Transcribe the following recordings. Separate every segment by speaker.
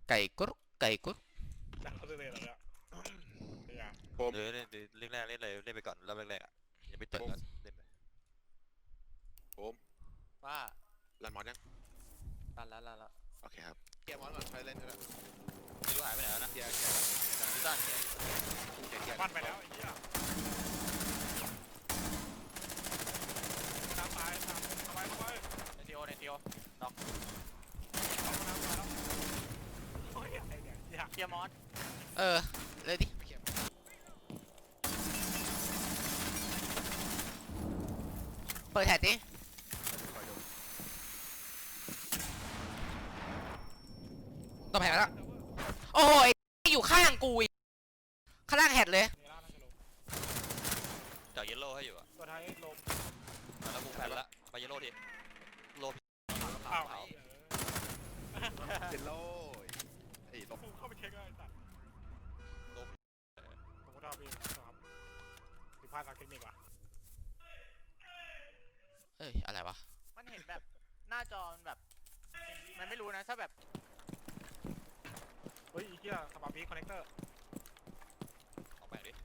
Speaker 1: ไก่กุ๊กไก่กุ๊ก
Speaker 2: จากเขาเลยเหรอเนี่ยเนี่ย
Speaker 3: ผม
Speaker 4: เล่นเล่นแรกเล่นเลยเล่นไปก่อนรอบแรกๆอ่ะอย่าไปตึงก็เล่นไป
Speaker 3: ผม
Speaker 5: ว่า
Speaker 3: รันมอนยัง
Speaker 5: ลั่น
Speaker 3: โอเคครับเกียร์มอนก่อนไปเล่นก็ได้
Speaker 4: ไม่รู้หายไปไหนแล้วนะ
Speaker 3: เกียร์
Speaker 4: พิซซ่าเนี่ย
Speaker 2: ปั้นไปแล้วไอ้เหี้ยน้ำตายน้ำเข้าไป
Speaker 5: ในทีโอน็อก
Speaker 2: เอาน้ำตายแล้วโอ้ยไอ้เนี่ยยาก
Speaker 5: เกียร์มอส
Speaker 1: เลยดิเปิดแท็ดดิต่อแผงแล้วโอ้โหอยู่ข้างกูข้างล่างแฮดเลย
Speaker 2: เนล่าน่าจะลง
Speaker 4: จากเยลโล่ให้อยู่อ่ะ
Speaker 2: ตัวท้ายลม
Speaker 4: แล้วกูแพ้ละไปเยลโล่ทีโล่
Speaker 2: อ้าว
Speaker 3: เจนโล่ไอ้ลบ
Speaker 2: กูเข้าไปเช็คเลยตัดผมก็ทำเองครับผิดพลาดทางเทคนิคว่ะ
Speaker 1: เอ้ยอะไรวะ
Speaker 5: มันเห็นแบบหน้าจอมันแบบมันไม่รู้นะถ้าแบบ
Speaker 2: เฮ้ยไอ้เหี้ยสปาร์พีคอนเนคเตอร์
Speaker 4: ออกไปดิ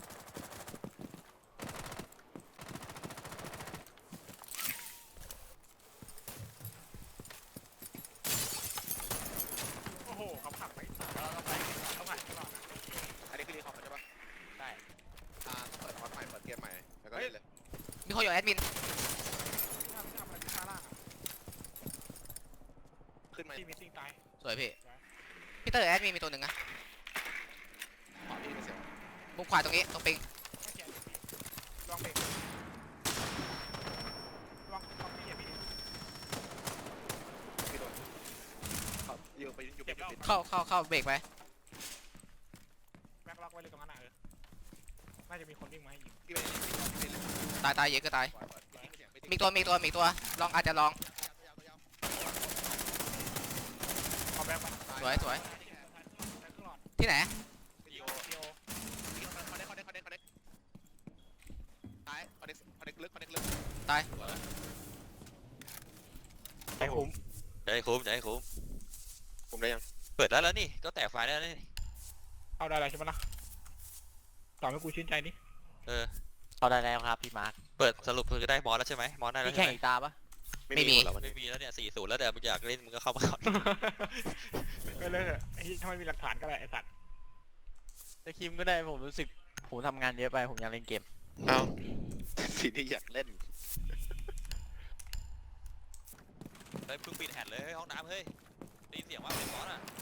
Speaker 2: โอ้โหเขาขับไป
Speaker 5: เราต้องไป
Speaker 2: เขาขับตลอดนะ
Speaker 3: อันนี้คือรีคอมมันใช่ปะ
Speaker 5: ได้
Speaker 3: เปิดมอนใหม่เปิดเกมใหม่แล้วก็เล่นเลย
Speaker 1: มีคนอยู่แอดมิน
Speaker 2: ทำอะไรที่ข้างล่างอ่ะ
Speaker 3: ขึ้นมา
Speaker 2: ที่มิสซิ่งตาย
Speaker 1: สวยพี่พี่เตอร์แอดมินมีตัวหนึ่งนะ
Speaker 3: ขวาพี่ไม่เสีย
Speaker 1: มุมขวาตรงนี้ตรงปิง
Speaker 2: ไม่เขียนลองเบรกลองไม่เขียนพี่
Speaker 3: พี่โดนเขายิงไปอยู่ปิด
Speaker 1: เข้าเบรกไป
Speaker 2: แบ็คล็อกไว้เลยตรงนั้นน่ะน่าจะมีคนวิ่งมาให้ยิง
Speaker 3: พี่ไปเล่น
Speaker 1: ตายเยอะก็ตาย
Speaker 3: มี
Speaker 1: มีตัวลองอาจจะลอง
Speaker 2: เอาแบ็คไป
Speaker 1: สวย
Speaker 2: แบ็คครึ่งหลอด
Speaker 1: ที่ไหน
Speaker 3: วิดีโอ
Speaker 2: เดียว
Speaker 3: คอนเน็กตายคอนเน็กลึก
Speaker 1: ตาย
Speaker 2: ไอ้คุ้ม
Speaker 4: ใจคุ้มใจคุ้ม
Speaker 3: ผมได้ยัง
Speaker 4: เปิดแล้วนี่ก็แตกไฟล์ได้แล้วนี่
Speaker 2: เอาได้ใช่ไหมล่ะตอบให้กูชื่นใจดิ
Speaker 5: เขาได้แล้วครับพี่มาร์ค
Speaker 4: เปิดสรุปคือได้มอสแล้วใช่ไหมมอสได้แล้ว
Speaker 5: พี่
Speaker 4: ใช่
Speaker 5: แข่ง
Speaker 4: ไหม
Speaker 5: อีกตาปะ
Speaker 1: ไม่มี
Speaker 3: แล้วมัน
Speaker 4: ไม่มีแล้วเนี่ย40แล้วแต่มึงอยากเล่นมึงก็เข้ามาก่อน
Speaker 2: ไปเลยไอ้ถ้าไม่มีหลักฐานก็ได้ไอ้สัตว์
Speaker 5: แต่คิมก็ได้ผมรู้สึกผมทำงานเยอะไปผมอยากเล่นเกม
Speaker 3: เอ้าสิ่งที่อยากเล่น
Speaker 4: เฮ้ยเพิ่งปิดแฮดเลยห้องน้ำเฮ้ยได้ยินเสียงว่าเป็นมอสอ่ะ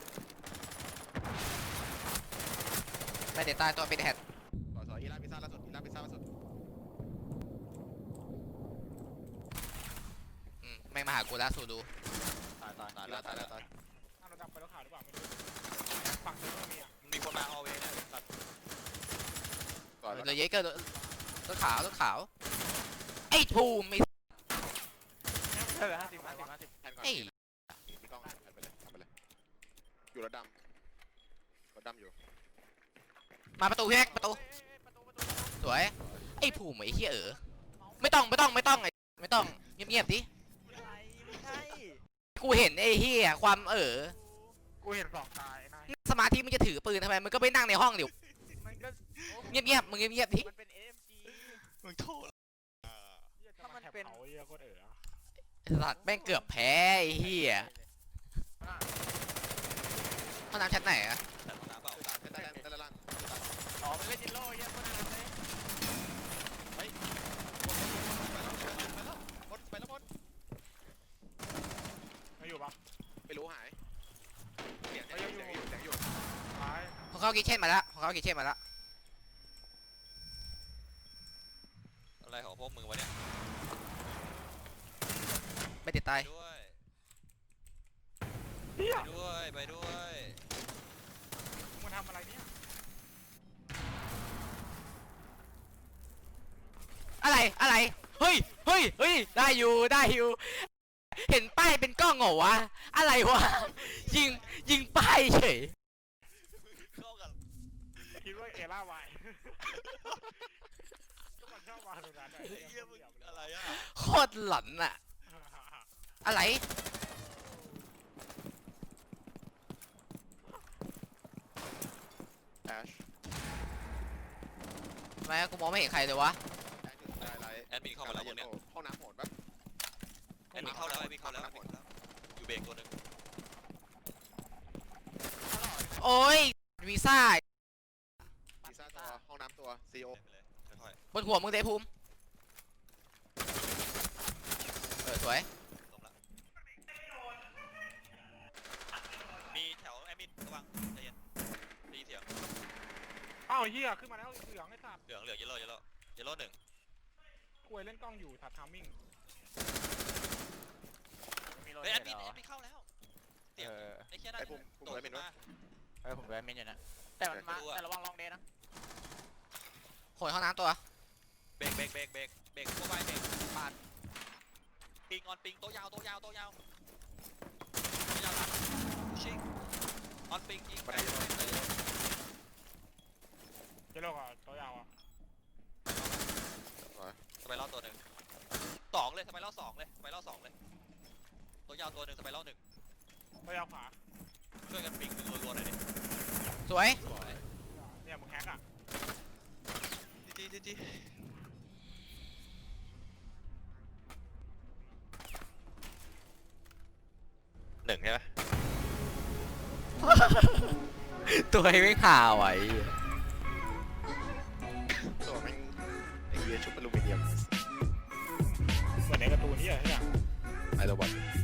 Speaker 1: ไม่เด็ดตายตัวเป็นแฮด
Speaker 3: สอยอีลาพิซซ่าล่าสุด
Speaker 1: แม่งมาหากูแล้วสูดู
Speaker 4: ตาย
Speaker 3: ตาย
Speaker 4: แล้ว
Speaker 2: อ้าวเราดับไปแล้วข่าวหรือเปล่าไม่รู้ฝั่งเธอไม่มีอ่ะ
Speaker 4: มีคนมาฮอลเวย์เนี่ยตัด
Speaker 3: ก่อน
Speaker 1: เลยเยอะเกินรถขาวไอ้ทูมไอ้
Speaker 5: 50
Speaker 3: แทนก่อน
Speaker 1: ไอ้
Speaker 3: มีกล้องแทนไปเลยทำไปเลยอยู่รถดำอยู่
Speaker 1: มาประตูพี่แม็กประตูสวยไอ้ภูมิไอ้เหี้ยไม่ต้องเงียบดิ
Speaker 5: ไม่ใช่
Speaker 1: กูเห็นไอ้เหี้ยความ
Speaker 2: กูเห็นสองตายไอ้นาย
Speaker 1: สมาธิมึงจะถือปืนทำไมมึงก็ไปนั่งในห้องเดี๋ยว
Speaker 5: มันก็
Speaker 1: เงียบมึงเงียบดิ
Speaker 5: มันเป็น AMG
Speaker 4: มึงโทษ
Speaker 2: ถ้ามันเป็นเขาเยอะโคตร
Speaker 1: ไอ้สัตว์แม่งเกือบแพ้ไอ้เหี้ยห้องน้ำชั้นไหนอะ
Speaker 4: แต่ห้องน้ำเปล่า
Speaker 3: แต่ละล่าง
Speaker 5: อ๋อมันเล่นจิโร่เยอะคนนั้นเลย
Speaker 3: ไปแล้ว
Speaker 2: ไม่อยู่ปะ
Speaker 3: ไม่รู้หายเสียงอยู่
Speaker 2: ตาย
Speaker 1: ของเขากิเช่นมาแล้ว
Speaker 4: อะไรของพวกมึงวะเนี่ย
Speaker 1: ไม่ติดตาย
Speaker 4: ด้วย
Speaker 2: เฮีย
Speaker 4: ไปด้วย
Speaker 2: มึงมาทำอะไรเนี่ย
Speaker 1: อะไรเฮ้ยได้อยู่เห็นป้ายเป็นกล้องเหรอวะอะไรวะยิงป้ายเฉย
Speaker 4: เข้ากัน
Speaker 2: คิดว่าเอล่าวายก็มันชอบวางตรงนั้น
Speaker 4: เยี่ยมึงอะไรอ่ะ
Speaker 1: โคตรหลอนอะอะไรทำไมกูมองไม่เห็นใครเลยวะ
Speaker 3: ได้ไร
Speaker 4: แอดมินเข้ามาแล้วพวกเนี้ย
Speaker 3: ห้องน้ำโหดปะ
Speaker 4: แอดมินเข้าแล้วแอดมินเข้าแล้วอยู่เบรกตัวหนึ่ง
Speaker 1: โอ้ยวีซ่า
Speaker 3: พิซซ่าตัวห้องน้ำตัวซีโอ
Speaker 4: ไปเลยค่อย
Speaker 1: บนหัวมึงเตะภูมิสวย
Speaker 4: ๆลงละมีแถวแอดมินระวังใจเย็นได้ยินเสียง
Speaker 2: อ้าวเฮียขึ้นมาแล้วเหลืองไอ้สัตว์
Speaker 4: เหลืองเยลโล่เยลโล่หนึ่ง
Speaker 2: คุยเล่นกล้องอยู่ถัดทามมิ่ง
Speaker 5: มีรถ
Speaker 4: เฮ้ย
Speaker 5: เห็
Speaker 4: แอน ดมิน
Speaker 5: เหรอ
Speaker 4: เข้าแล้วเสียง
Speaker 5: เออ
Speaker 4: ไอ้แค่นั้น
Speaker 3: ไอ้ปุ่ม
Speaker 4: โดดขึ้นมา
Speaker 5: ผมแวะเมนอยู่นะแต่มันมา
Speaker 4: ไม่รู้อะ
Speaker 5: แต่ระวังลองเดย์นะ
Speaker 1: ๆโหยห้องน้ำตัว
Speaker 4: เบรกตัวไปเบรกปาดปิงออนปิงโตยาวตัวยาวหลังชิงออนปิงยิง
Speaker 3: บันไดเยอะ
Speaker 2: เจโลกอ่ะตัวยาวอ่ะ
Speaker 4: สไปรอบตัวหนึ่งสองเลยสไปรอบสองเลยตัวยาวตัวหนึ่งสไปรอบหนึ่ง
Speaker 2: ตัวยาวขวา
Speaker 4: ช่วยกันปิงรัวๆหน่อยดิ
Speaker 1: สวย
Speaker 2: เนี่ยมึงแฮกอ่ะ
Speaker 4: จีหนึ่งใช่ไหม
Speaker 1: ตัวไม่ข่าวไอ้
Speaker 3: ตัวแม่งไอ้เหี้ยชุบอลูมิเนียม
Speaker 2: เหมือนในการ์ตูนนี่อ่ะเฮีย
Speaker 3: ไอโรบอท